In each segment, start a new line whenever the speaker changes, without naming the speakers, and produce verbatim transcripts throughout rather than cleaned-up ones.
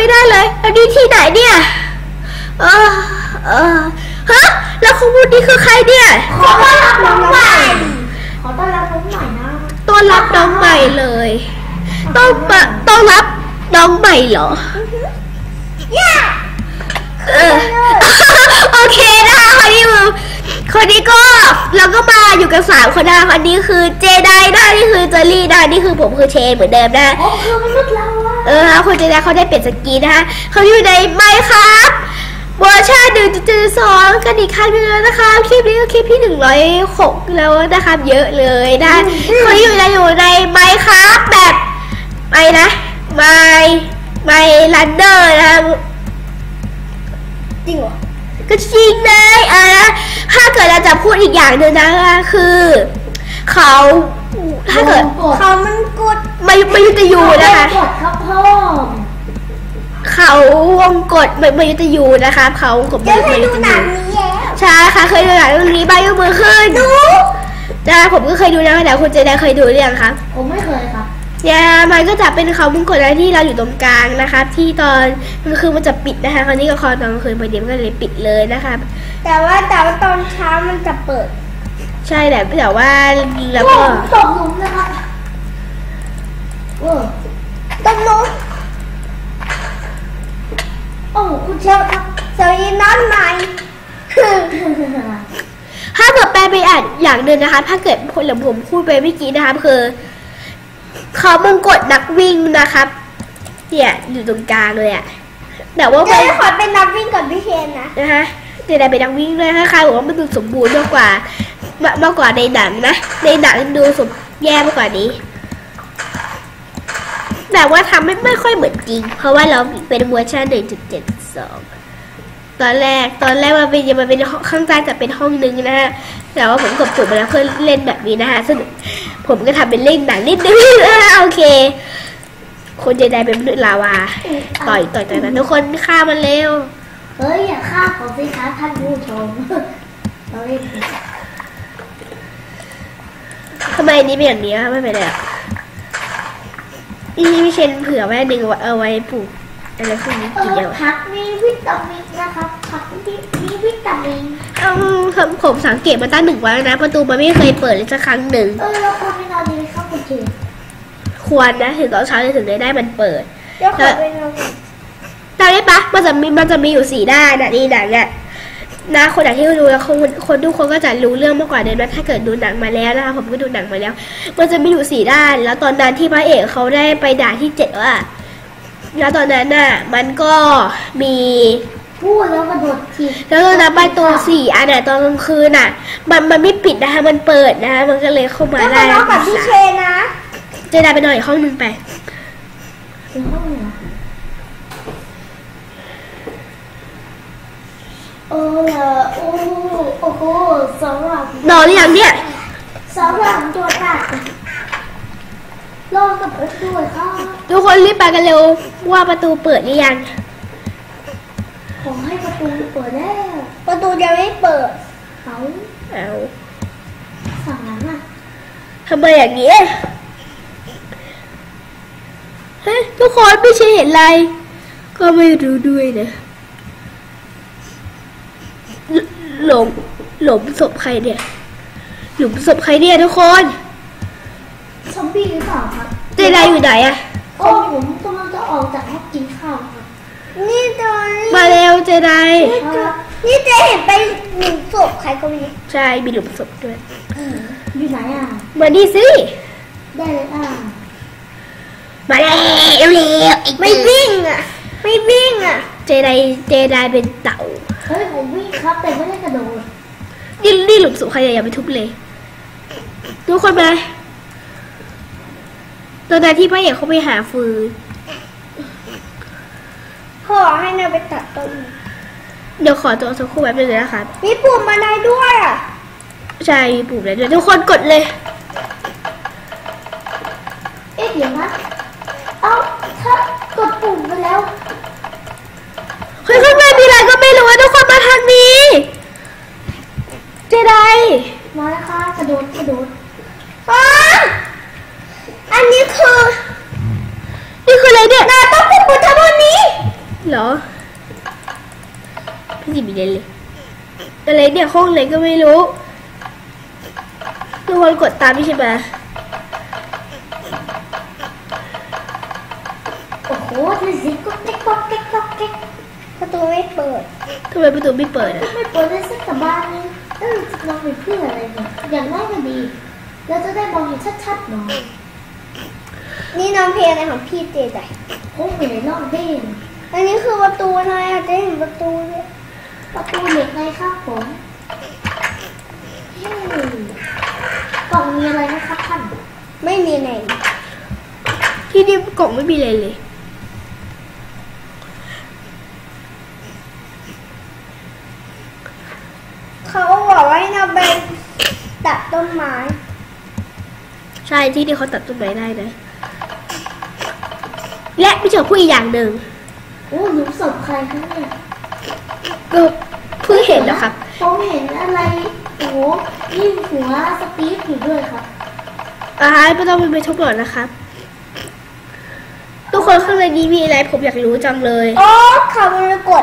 ได้เลยอันนี้ที่ไหนเนี่ยเออเออฮะแล้วคุณพูดนี่คือใครเนี่ย
ขอต้อนรับน้องใหม่ขอต้อนรับน้องใหม่นะ
ต้อนรับน้องใหม่เลยต้องมาต้องรับน้องใหม่เหรอเออโอเคนะคะคนนี้คนนี้ก็เราก็มาอยู่กันสามคนนะคะอันนี้คือเจไดนะนี่คือเจอรี่นะนี่คือผมคือเชนเหมือนเดิมนะ
โอ้คือมนุษย์เรา
เออคนเจไดเขาได้เปลี่ยนสกีนะคะเขาอยู่ในไมค์ครับเวอร์ชันหนึ่งจุดเจ็ดสองกันอีกครั้งนึงแล้วนะคะคลิปนี้ก็คลิปที่หนึ่งร้อยหกแล้วนะคะเยอะเลยนะเขาอยู่ในอยู่ในไมค์ครับแบบไมนะไมไมลันเดอร์นะ
จริงเหรอ
ก็จริงเลยอ่ะถ้าเกิดเราจะพูดอีกอย่างหนึ่งนะคือเขาถ้าเกิด
เขามันกด
ไม่ไม่ยุติยูนะคะ
กดครับพ่อ
เขาวงกดไม่ไม่ยุติยูนะคะเขาวงกด
ไม่ยุติยู
ใช่ค่ะเคยดูหนังเรื่องนี้บ้างยกมือขึ้นดูนะผมก็เคยดูนะแต่คุณเจไดเคยดูหรือยังคะ
ผมไม่เคยครับ
เนี่ยมันก็จะเป็นเขาวงกดอะไรที่เราอยู่ตรงกลางนะคะที่ตอนมันคือมันจะปิดนะคะคราวนี้ก็คอตอนกลางคืนพอดีมันก็เลยปิดเลยนะคะ
แต่ว่าแต่ว่าตอนเช้ามันจะเปิด
ใช่แต่แต่ว่าแล้วก็
ตกหลุมนะคะเออตกหลุมโอ้คุณเชฟครับสวัสดีน้องใหม่
ถ้าเกิดแปลไปอ่านอย่างหนึ่งนะคะถ้าเกิดคนหลังผมพูดไปเมื่อกี้นะคะคือเขามงกฎนักวิ่งนะครับเนี่ยอยู่ตรงกลางเลยอะแต่ว่า
ไม่ขอเป็นนักวิ่งกับพี่เชนนะ
นะคะเดี๋ยวได้เป็นนักวิ่งเลยนะคะบอกว่ามันดูสมบูรณ์มากกว่ามากกว่าในหนังนะในหนังดูสมแย่มากกว่านี้แต่ว่าทำไม่ไม่ค่อยเหมือนจริงเพราะว่าเราเป็นเวอร์ชัน หนึ่งจุดเจ็ดสอง ตอนแรกตอนแรกมันเป็นมันเป็นข้างใต้จะเป็นห้องนึงนะฮะแต่ว่าผมกดปุ่มมาแล้วเพื่อเล่นแบบนี้นะฮะซึ่งผมก็ทำเป็นเล่นหนังนิดนึงนะโอเคคนเจไดเป็นมนุษย์ลาวาต่อยต่อยต่อยทุกคนฆ่ามันเร็ว
เฮ้ยอย่าฆ่าผมสิคะท่านผู้ชมเราเล่น
ทำไมนี้เป็นอย่างนี้ไม่เป็นไรอ่ะนี่พี่เชนเผื่อไว้หนึ่งเอาไว้ปลูกอะไรพวกนี้กินเยอะ
ผักมีวิตามินนะครับผักมีวิตามิน
อืมผมสังเกตมาตั้งหนึ่งวันนะประตูมันไม่เคยเปิดเลยสักครั้งหนึ่ง
เออเราควรไปนอนดีไหมครับคุณเจ
ควรนะถึงตอนเช้าจะถึงได้ได้มันเปิด
เดี๋ยวขอไปนอน
ตอนนี้ปะมันจะมีมันจะมีอยู่สี่ด้านนะนี่หนังอ่ะนะคนไหนที่ดูแล้วคนคนทุกคนก็จะรู้เรื่องมากกว่าเดิมนะถ้าเกิดดูหนังมาแล้วนะคะผมก็ดูหนังมาแล้วมันจะมีอยู่สี่ด้านแล้วตอนนั้นที่พระเอกเขาได้ไปด่าที่เจ็ดว่าแล้วตอนนั้นน่ะมันก็มี
พูดแล้วกระโดดที
แล้วตอนนั้นประตูสี่อันน่ะตอนกลางคืนน่ะมันมันไม่ปิดนะคะมันเปิดนะคะมันก็เลยเข้ามาได้
แล้วกับพี่เชนนะ
จะได้ไปนอนอีกห้องนึงไป
อีกห้องนึงโอ้โอ้โอ้โหสำหรับ
นอนหรือยังเนี่ย
สำหรับตัวตัดรอกับประตูค่ะ
ทุกคนรีบไปกันเร็วว่าประตูเปิดหรือยัง
ขอให้ประตูเปิดแล้วประตูยังไม่เปิดเขา
เอา
สั่งนั้นอ่ะ
ทำไมอย่างนี้เฮ้ยทุกคนไม่ใช่เห็นอะไรก็ไม่รู้ด้วยนะหลงหลงศพใครเนี่ยหลุมศพใครเนี่ยทุกคน
ซอมบี้หรือเปล่าครับ
เจไดอยู่ไหนอะ
โอ้ผมกำลังจะออกจากห้องกินข้าวครับนี่ตอน
มาเร็วเจได
นี่เจเห็นไปหลุมศพใครก็มี
ใช่มีหลุมศพด้วย
อยู่ไหนอ่ะ
มาดิสิ
ได้เลยอ่ะ
มาเร็วเร็ว
ไม่วิ่งอ่ะไม่วิ่งอ่ะ
เจไดเจไดเป็นเต่า
เฮ้ยผมวิ่งครับแต่ไม่ได้กระโดด
นี่นี่หลุมศพใครอย่าไปทุบเลยทุกคนมาตอนนั้นที่พ่อเอกเขาไปหาฟืน
พ่อให้นาไปตัดต้น
เดี๋ยวขอตัวสักครู่แป๊บนึงนะคะ
มีปุ่มมาได้ด้วยอ่ะ
ใช่มีปุ่มแล้วด้วยทุกคนกดเลย
เอ๊ะเดี๋ยวนะเอ้าถ้ากดปุ่มไปแล้ว
เฮ้ยข้างในมีอะไรก็ไม่รู้ทุกคนมาทางนี้เจได
มาแล้วค่ะกระโดดกระโดดอ้าอันนี้คือ
นี่คืออะไรเนี่ย
นาต้องเป็นบุตรบนนี้
รอพี่จิมีเดนเลยอะไรเนี่ยห้องไหนก็ไม่รู้ทุกคนกดตามพี่ใช่ไหม
โอ้โหนี่สิก็เก๊กก็เก๊กก็เก๊กประตูไม่เปิด
ทำไมประตูไม่เปิดอ่ะ
ไม่เปิดได้สักกลับบ้านนึงเออมองเป็นเพื่ออะไรเนี่ยอย่างน้อยก็ดีแล้วจะได้มองเห็นชัดๆหน่อยนี่น้องเพลงอะไรของพี่เจใจโอ้ยอยู่ในรอบเด้งอันนี้คือประตูอะไรอ่ะเจ๊เห็นประตูเนี่ยประตูเหล็กไงครับผมกล่องมีอะไรนะครับท่านไม่มีไหน
ที่นี่กล่องไม่มีอะไรเลย
เขาบอกว่าให้เราไปตัดต้นไม้
ใช่ที่นี่เขาตัดต้นไม้ได้นะและไม่เจอผู้อีกอย่างหนึ่ง
โอ้หนูศพใครคะเนี่ย
ก็เพิ่งเห็นแล้วครับ
ผมเห็นอะไรโอ้ยิ่งหัวสตีฟอยู่ด้วยครับ
อ่าไม่ต้องไปทุบหรอกนะครับทุกคนข้างในนี้มีอะไรผมอยากรู้จังเลย
โอ้ข่าวมรกต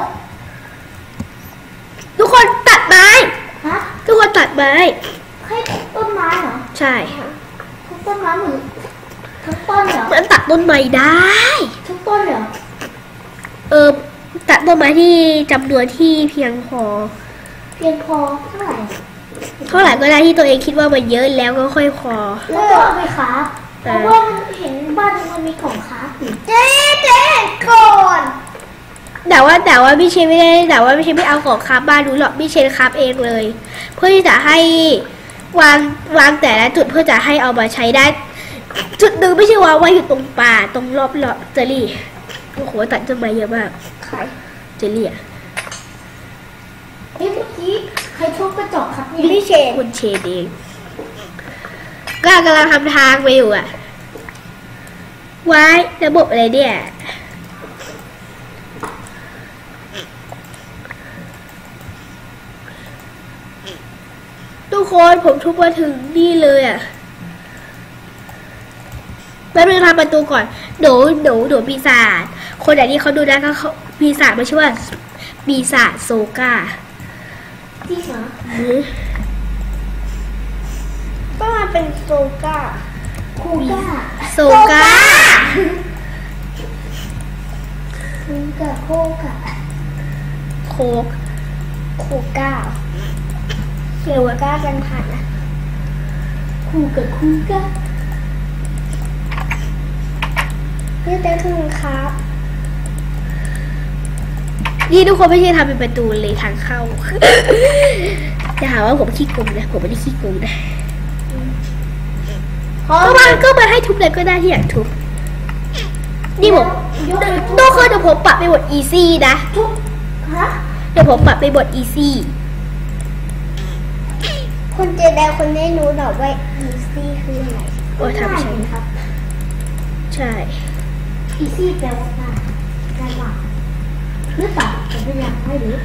ทุกคนตัดไม้
ฮะ
ทุกคนตัดไม้
ให้ต้นไม้เหรอ
ใช่
ทุกต้นไม้เหมือนทุกต้นเหรอ
มันตัดต้นไม้ได้
ทุกต้นเหรอ
เออตัดต้นไม้ที่จำนวนที่เพียงพอ
เพียงพอเท่าไหร่
เท่าไหร่ก็ได้ที่ตัวเองคิดว่ามันเยอะแล้วก็ค่อยพอ
แล้วก็เอาไปค้าเพราะว่ามันเห็นบ้านมันมีของค้าอยู่เจ๊เจ๊ก่อน
แต่ว่าแต่ว่าพี่เชนไม่ได้แต่ว่าพี่เชนไม่เอาของคราฟบ้านดูหรอกพี่เชนคราฟเองเลยเพื่อที่จะให้วางวางแต่ละจุดเพื่อจะให้เอามาใช้ได้จุดหนึ่งไม่ใช่วางไว้อยู่ตรงป่าตรงรอบรอบเจอรี่โอ้โหตัดต้นไม้เยอะมาก
ใคร
เจอรี่อ่ะ
เฮ้ยเมื่อกี้ใครทุบกระจกครับนี่พี่เชน
คุณเชนเองก็กำลังทำทางไปอยู่อ่ะไว้ระบบอะไรเนี่ยทุกคนผมทุบมาถึงนี่เลยอ่ะแป๊บนึงทำประตูก่อนหนูหนูหนูปีศาจคนไหนที่เขาดูได้ก็เขาปีศาจไม่ใช่ว่าปีศาจโซกา
จริงเหรอก็มาเป็นโซกาคูก้า
โซกา
คูกาโคกา
โคก
โคก้าเกี่ยวกับก้ากันผ่านนะคูกับคูก้านี่แต่คือครับ
นี่ทุกคนไม่ใช่ทำเป็นประตูเลยทางเข้าจะหาว่าผมขี้โกงนะผมไม่ได้ขี้โกงนะก็มาก็มาให้ทุบเลยก็ได้ที่อยากทุบนี่ผมโน้ตคือเดี๋ยวผมปรับไปบทอีซี่นะ
ทุบฮะ
เดี๋ยวผมปรับไปบทอีซี่
คุณเจแดงคนนี้รู้หรอว่าอีซี่คืออะไร
โอ้ทำใช่
ครับ
ใช่
อีซี่แปลว่าง่ายง่ายมากหรือเปล่าผมไม่อยากให้รู้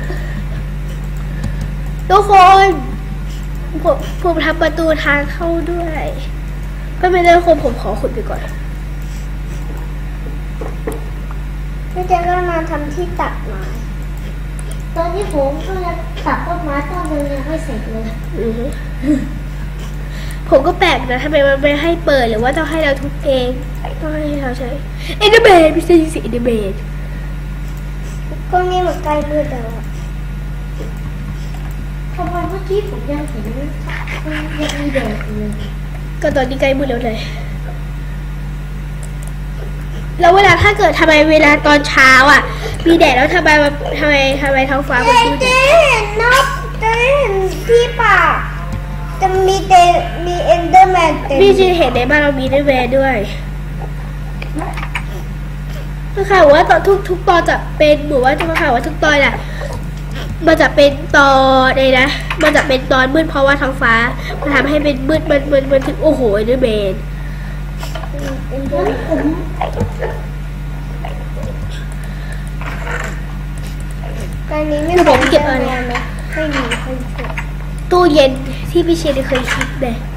ทุกคนผมผมทำประตูทางเข้าด้วยก็ไม่ได้คนผมขอขุดไปก่อน
พี่เจ๊ก็มาทำที่ตัดไม้ตอนนี้ผมก็ยังตัดต้นไม้ต้นนึงยังไม่เสร็จเลย
ผมก็แปลกนะทำไมมันไม่ให้เปิดหรือว่าต้องให้เราทุบเองต้องให้เราใช้เอเดเบดไม่ใช่สิเอเดเบด
ก็นี่มันใกล้มืดแล้วทำไมเมื่อกี้ผมยังเห็นยังมีแดดเลย
ก็ตอนนี้ใกล้มืดแล้วเลยแล้วเวลาถ้าเกิดทำไมเวลาตอนเช้าอ่ะมีแดดแล้วทำไมทำไมทำไมท้องฟ้ามันมืด
เจ๊เห็นนกเจ๊เห็นที่ป่าจะมีเตมีเอนเดอร์แมนเต็ม
พี่จีเห็นในบ้านเรามีด้วยแวร์ด้วยคือค่ะว่าตอนทุกทุกตอนจะเป็นหรือว่าจะมาค่ะว่าทุกตอนอ่ะมันจะเป็นตอนเลยนะมันจะเป็นตอนมืดเพราะว่าท้องฟ้ามันทำให้เป็นมืดมันมันมันถึงโอ้โหเอนเดอร์แมน
ตอนนี้ไม่
ผมเก็บอะไร
ไม่มีใครเก็บ
ตู้เย็นที่พี่เชนเคยคิดเลย